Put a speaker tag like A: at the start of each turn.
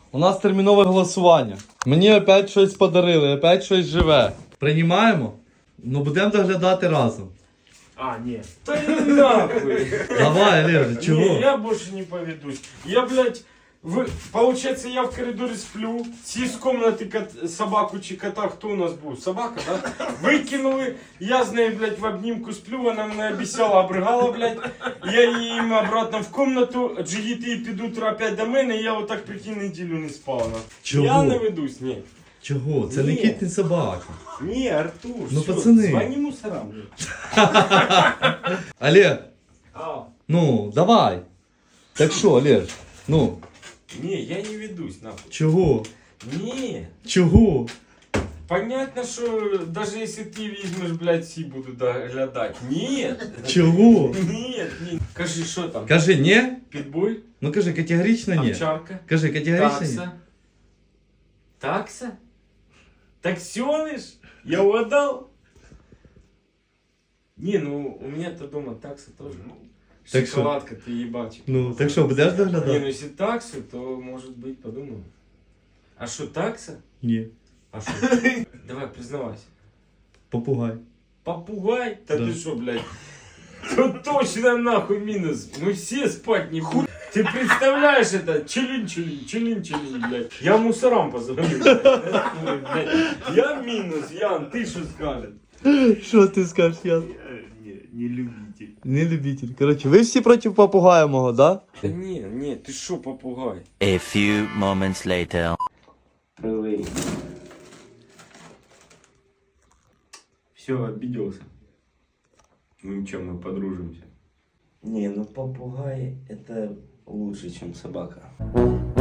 A: У нас термінове голосування. Мені опять щось подарили, опять щось живе. Приймаємо? Ну будемо доглядати разом.
B: А, нет. Да иди нахуй.
A: Давай, Олеже, чого?
B: Не, я больше не поведусь. Я, блядь, получается, я в коридоре сплю, все из комнаты собаку чи кота, кто у нас был? Собака, да? Выкинули, я с ней, блядь, в обнимку сплю, она меня обещала, обрыгала, блядь. Я им обратно в комнату, джигіти під утро опять до мене, і я вот так, прикинь, неділю не спав.
A: Чого?
B: Я не ведусь, ні.
A: Чого? Це не
B: Ні.
A: кіт, не собака.
B: Ні, Артур,
A: Ну,
B: все,
A: пацани.
B: звони мусорам.
A: Олег,
B: А,
A: ну, давай. Так що, Олеж? Ну,
B: не, я не ведусь, нахуй.
A: чого?
B: Не.
A: Чого?
B: Понятно, что даже если ты візьмеш, блядь, всі буду доглядать. Нет.
A: Чого?
B: Нет, нет. Кажи, що там?
A: Кажи, ні?
B: Питбуль?
A: Ну кажи, категорично ні.
B: Овчарка?
A: Кажи, категорично ні.
B: Такса? Такса? Таксёныш? Я угадал? Не, ну у меня-то дома такса тоже.
A: Так что?
B: Шоколадка, ты ебачик.
A: Ну, так що, будеш
B: Не, ну
A: доглядати?
B: если таксу, то может быть подумаю. А что, такса?
A: Ні.
B: А что? Давай, признавайся.
A: Попугай.
B: Попугай? Да,
A: Да.
B: ты что, блядь? Тут точно нахуй минус. Мы все спать не будем. Ты представляешь это? Челин, блядь. Я мусорам позвоню. Блядь. Я минус, Ян, ты что скажешь?
A: Що ти скажеш, Ян?
B: Не любитель.
A: Не любитель. Коротше, ви всі проти попугая мого, да?
B: Да не, ты что, попугай?
C: A few moments later.
B: Прилей. Все, обиделся. Ну ничего, мы подружимся.
D: Не, ну попугай это лучше, чем собака.